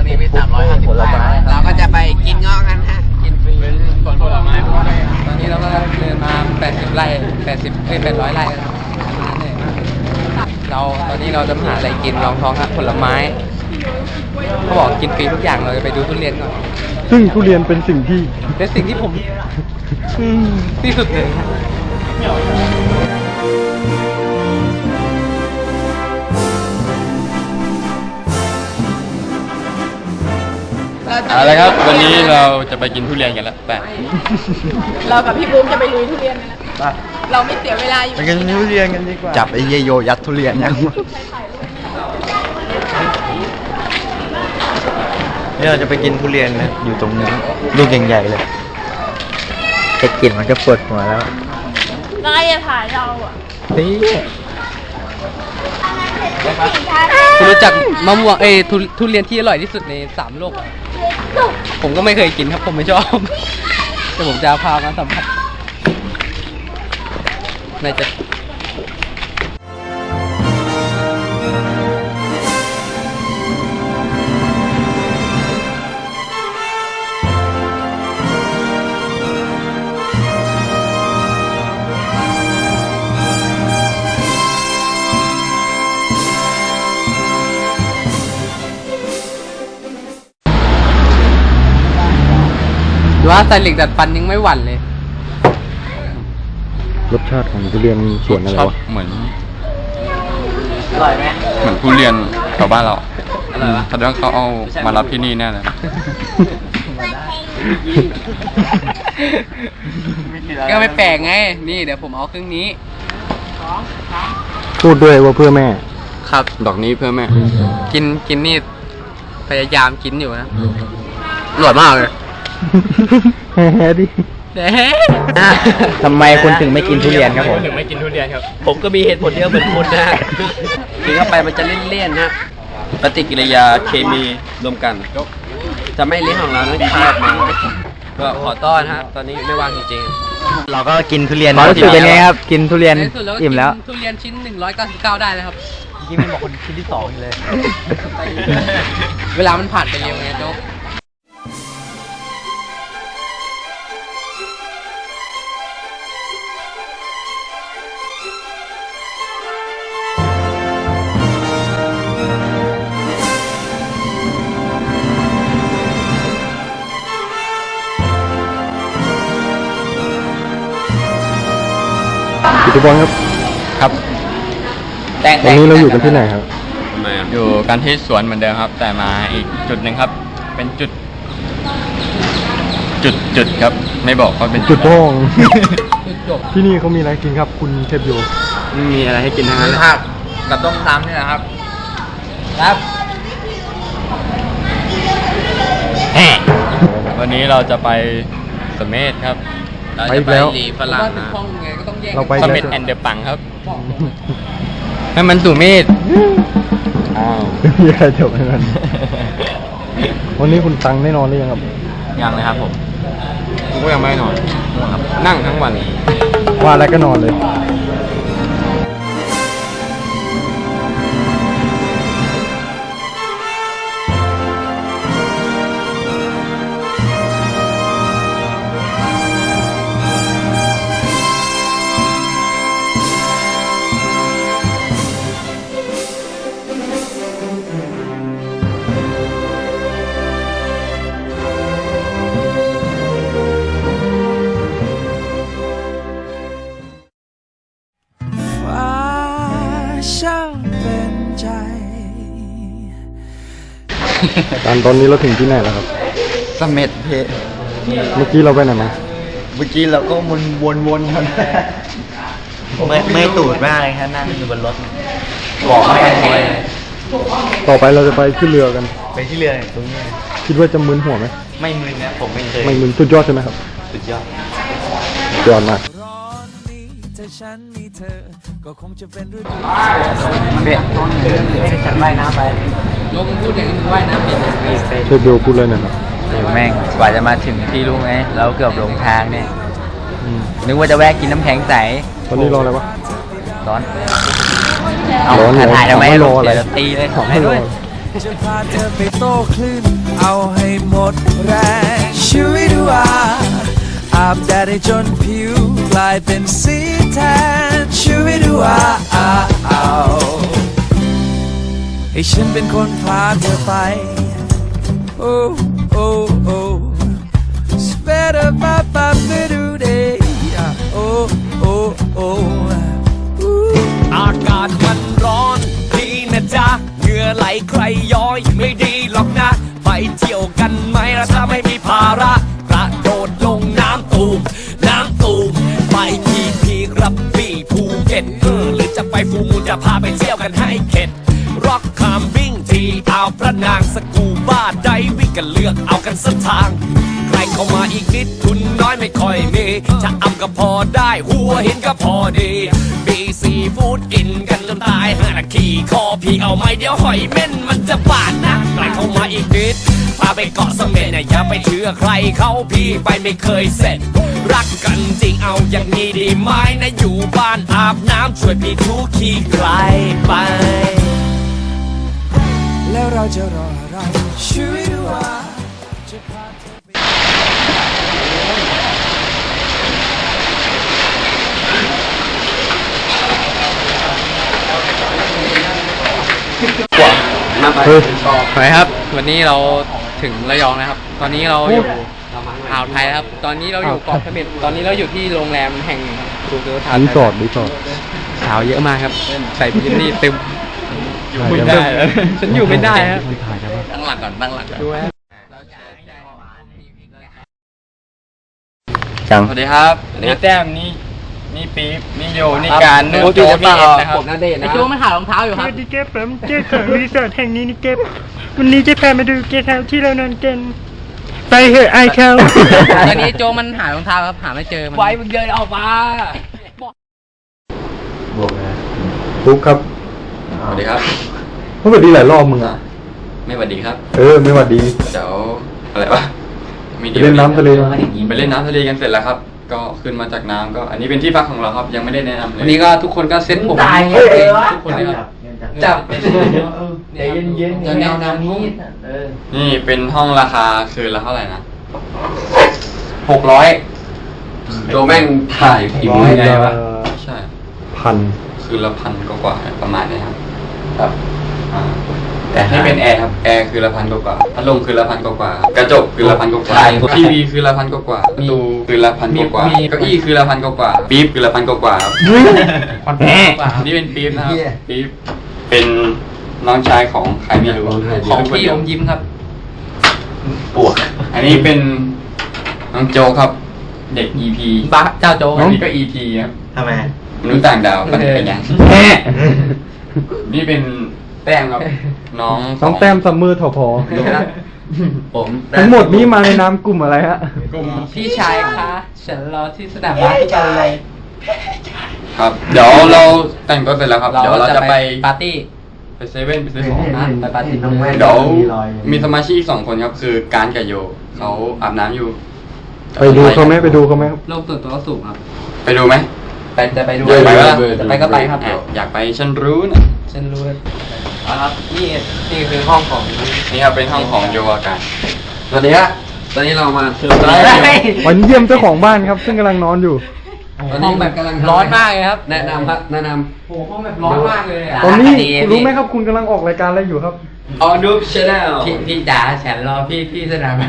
นี้มี350 บาทเราก็จะไปกินเงาะกันฮะกินฟรีเป็นสวนผลไม้ตอนนี้เราก็เดินมา80 ไร่800 ไร่กันตอนนี้เราจะหาอะไรกินรองท้องฮะผลไม้เขาบอกกินฟรีทุกอย่างเราจะไปดูทุเรียนก่อนซึ่งทุเรียนเป็นสิ่งที่เป็นสิ่งที่ผมที่สุดเลยเอาละครับวันนี้เราจะไปกินทุเรียนกันแล้วไปเรากับพี่บูมจะไปลุยทุเรียนกันนะเราไม่เสียเวลาอยู่ไปกินทุเรียนกันดีกว่าจับไอ้เยโยยัดทุเรียนยังนี่เราจะไปกินทุเรียนนะอยู่ตรงนี้ลูกใหญ่ๆเลยแค่กลิ่นมันก็ปวดหัวแล้วนายจะถ่ายเราอ่ะนี่คุณรู้จักมะม่วงทุเรียนที่อร่อยที่สุดใน3 โลก ผมก็ไม่เคยกินครับผมไม่ชอบ แต่ผมจะพามาสัมผัสน่าจะว่าใส่เหล็กดัดฟันยังไม่หวั่นเลยรสชาติของทุเรียนสวนอะไรชอบวะเหมือนอร่อยไหมเหมือนทุเรียนแถวบ้านเราอร่อยวะแสดงว่าเขาเอามารับที่นี่แน่เลยก็ไม่แปลกไง นี่เดี๋ยวผมเอาเครื่องนี้พูดด้วยว่าเพื่อแม่ครับดอกนี้เพื่อแม่กินนี่พยายามกินอยู่นะอร่อยมากเลยแฮ่ดิ ทำไมคุณถึงไม่กินทุเรียนครับผมถึงไม่กินทุเรียนครับผมก็มีเหตุผลเดียวเหมือนคุณนะกินเข้าไปมันจะเลี่ยนๆฮะปฏิกิริยาเคมีรวมกัน จะไม่ลิ้นของเรานั้นคายออกมาก็ขอต้อนฮะตอนนี้ไม่ว่างจริงๆเราก็กินทุเรียนความรู้สึกเป็นไงครับกินทุเรียนในที่สุดเราก็อิ่มแล้วกินทุเรียนชิ้น199ได้เลยครับยิ่งไม่บอกคนชิ้นที่2เลยเวลามันผ่านไปเร็วไงโจ๊กพิธีบอลครับครับวันนี้เราอยู่กันที่ไหนครับอยู่กันที่สวนเหมือนเดิมครับ แต่มาอีกจุดหนึ่งครับ เป็นจุดครับ ไม่บอกว่าเป็นจุดโป้งจบที่นี่เขามีอะไรกินครับ คุณเทพโยไม่มีอะไรให้กินทั้งนั้นเลยผักกับต้มซ้ำนี่แหละครับ ครับวันนี้เราจะไปสเมธครับเราจะไปหลีฝรั่งนะเราไปสเมธแอนเดอร์ปังครับให้มันสุเมธอ้าวมีอะไรจบกันวันนี้คุณตังได้นอนหรือยังครับยังเลยครับผมก็ยังไม่นอนครับนั่งทั้งวันว่าแล้วก็นอนเลย ตอนนี้เราถึงที่ไหนแล้วครับเสม็ดเพเมื่อกี้เราไปไหนมาเมื่อกี้เราก็วนๆกันไม่ตูดมากเลยครับนั่งอยู่บนรถบอกไม่ได้เลยต่อไปเราจะไปขึ้นเรือกันไปที่เรือตรงนี้คิดว่าจะมึนหัวไหมไม่มึนนะผมไม่เคยไม่มึนสุดยอดใช่ไหมครับสุดยอดสุดยอดมากฉันว่ายน้ำไปโจ๊กมึงพูดอย่างนี้มึงว่ายน้ำเป็นเทพโยพูดเลยนะครับแม่งกว่าจะมาถึงที่รู้ไหมเราเกือบหลงทางเนี่ย นึกว่าจะแวะกินน้ำแข็งใสตอนนี้รออะไรวะร้อนเอาร้อนเลยถ่ายทำไมไม่รอลงอะไรเดี๋ยวตีเลยของให้ด้วยจะพาเธอไปโต้คลื่นเอาให้หมดแรงชีวิตว่าอาบแดดให้จนผิวกลายเป็นสีแทนชีวิตว่าให้ฉันเป็นคนพาเธอไปโอ้โอ้โอ้สเปเดอร์มาปาเปดูเดย์โอ้โอ้โอ้อากาศมันร้อนดีนะจ๊ะเหงื่อไหลใครย้อยไม่ดีหรอกนะไปเที่ยวกันไหมล่ะถ้าไม่มีภาระกระโดดลงน้ำตูมไปพีกระบี่ภูเก็ตหรือจะไปฟูมูลจะพาไปเที่ยวกันให้เข็ดร็อกคามวิ่งที่อ่าวพระนางสกูบ้าไดวิ่งกันเลือกเอากันสักทางใครเข้ามาอีกนิดทุนน้อยไม่ค่อยมีจะอำก็พอได้หัวหินก็พอดีมีซีฟู้ดกินกันจนตาย5 นาทีคอพี่เอาไหมเดี๋ยวหอยเม่นมันจะบาดนะใครเข้ามาอีกนิดพาไปเกาะเสม็ดอย่าไปเชื่อใครเขาพี่ไปไม่เคยเสร็จรักกันจริงเอาอย่างนี้ดีไหมนะอยู่บ้านอาบน้ำช่วยพี่ทุกขี้ไกลไปแล้วเราจะรออะไรชีวิตว่าจะพาเธอไปมาไปสวัสดีครับ วันนี้เราถึงระยองนะครับ ตอนนี้เราอยู่อ่าวไทยนะครับ ตอนนี้เราอยู่เกาะเสม็ดตอนนี้เราอยู่ที่โรงแรมแห่งดูเตอร์ทานรีสอร์ทสาวเยอะมากครับ ใส่บิกินี่เต็มอยู่ไม่ได้ฉันอยู่ไม่ได้ครับตั้งหลักก่อนดูฮะจังสวัสดีครับนี่แต้มนี่ปี๊บนี่โยนี่การนี่โจนี่เอ็ดนะครับผมนาเดชน์นะไอโจมันหารองเท้าอยู่ครับสวัสดีครับผมเจ้าของรีสอร์ทแห่งนี้นี่เก็บวันนี้จะพามาดูเกสต์เฮาส์ที่เรานอนกันไปเหอะไอเขาตอนนี้โจมันหารองเท้าครับหาไม่เจอมันไว้มึงเดินออกมาบอกนะทุกครับสวัสดีครับสวัสดีหลายรอบมึงอ่ะไม่สวัสดีครับไม่หวัดดีเดี๋ยวอะไรวะไปเล่นน้ำทะเลไปเล่นน้ำทะเลกันเสร็จแล้วครับ ก็ขึ้นมาจากน้ำก็อันนี้เป็นที่พักของเราครับยังไม่ได้แนะนำเลยวันนี้ก็ทุกคนก็เซ็ตผมตายทุกคนเลยครับจับใจเย็นๆแนวน้ำนี้นี่เป็นห้องราคาคืนละเท่าไหร่นะ 600 โจแม่งถ่ายผิวยังไงวะใช่พันคืนละ1,000 กว่าๆประมาณนี้ครับครับแต่นี่เป็นแอร์ครับแอร์คือละ1,000 กว่าพัดลมคือละ1,000 กว่ากระจกคือละ1,000 กว่าทีวีคือละ1,000 กว่าประตูคือละ1,000 กว่าเก้าอี้คือละ1,000 กว่าปี๊บคือละ1,000 กว่าครับ นี่เป็นปี๊บนะครับปี๊บเป็นน้องชายของใครไม่รู้ของพี่อมยิ้มครับปวกอันนี้เป็นน้องโจครับ เด็ก EP บ้าเจ้าโจอันนี้ก็ EP ครับทำไมมนุษย์ต่างดาวก็เป็นยังนี่เป็นแต้มครับ น้องต้องแต้มซัมเมอร์ทอพอผมทั้งหมดนี้มาในนามกลุ่มอะไรฮะกลุ่มพี่ชายคะฉันรอที่สนามบาสทุกวันเลยครับ เดี๋ยวเราแต่งตัวเสร็จแล้วครับ เดี๋ยวเราจะไปปาร์ตี้ไปเซเว่นไปซื้อของนะไปปาร์ตี้เดี๋ยวมีสมาชิกอีก2 คนครับ คือการกับโยเขาอาบน้ำอยู่ไปดูเขาไหมไปดูเขาไหมครับโลกส่วนตัวก็สูงครับไปดูไหมจะไปดูอยากไปปะล่ะจะไปก็ไปครับอยากไปฉันรู้นะฉันรู้เลยครับนี่คือห้องของนี่ครับเป็นห้องของโยอาการสวัสดีครับตอนนี้เรามาเชิญวันเยี่ยมเจ้าของบ้านครับ ซึ่งกำลังนอนอยู่ตอนนี้แบบกำลังร้อนมากเลยครับ แนะนำครับแนะนำโอ้ห้องแบบร้อนมากเลยตอนนี้รู้ไหมครับคุณกำลังออกรายการอะไรอยู่ครับออดูชแนลพี่จ๋าฉันรอพี่สนาม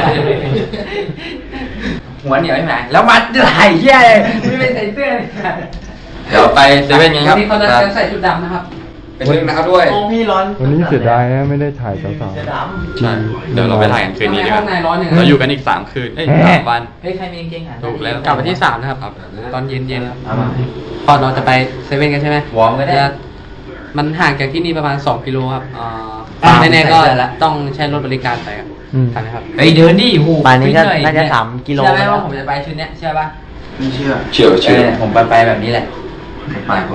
หัวเหนียวใช่ไหมแล้วมัดไหล่แย่ไม่เป็นใส่เสื้อเดี๋ยวไปเซเว่นกันควัรันบนี้เขาจะใส่ชุดดำนะครับเป็นเรื่องนะครับด้วยพี่ร้อนวันนี้เสียดายนะไม่ได้ถ่ายสาวใช่เดี๋ยวเราไปถ่ายกันคืนนี้ดีกว่าข้างในร้อนอย่างนั้นเราอยู่กันอีก3 คืน3 วันเฮ้ยใครมีกางเกงอ่ะถูกแล้วกลับมาที่3นะครับครับตอนเย็นๆพอเราจะไปเซเว่นกันใช่ไหมวอร์มก็ได้มันห่างจากที่นี่ประมาณ2 กิโลครับอ่าแน่ๆก็ต้องใช้รถบริการไปครับทันไหมครับเฮ้ยเดินดิหูป่านนี้ก็น่าจะ3 กิโลเชื่อไหมว่าผมจะไปชุดเนี้ยเชื่อป่ะเฉียวผมไปแบบนี้แหละ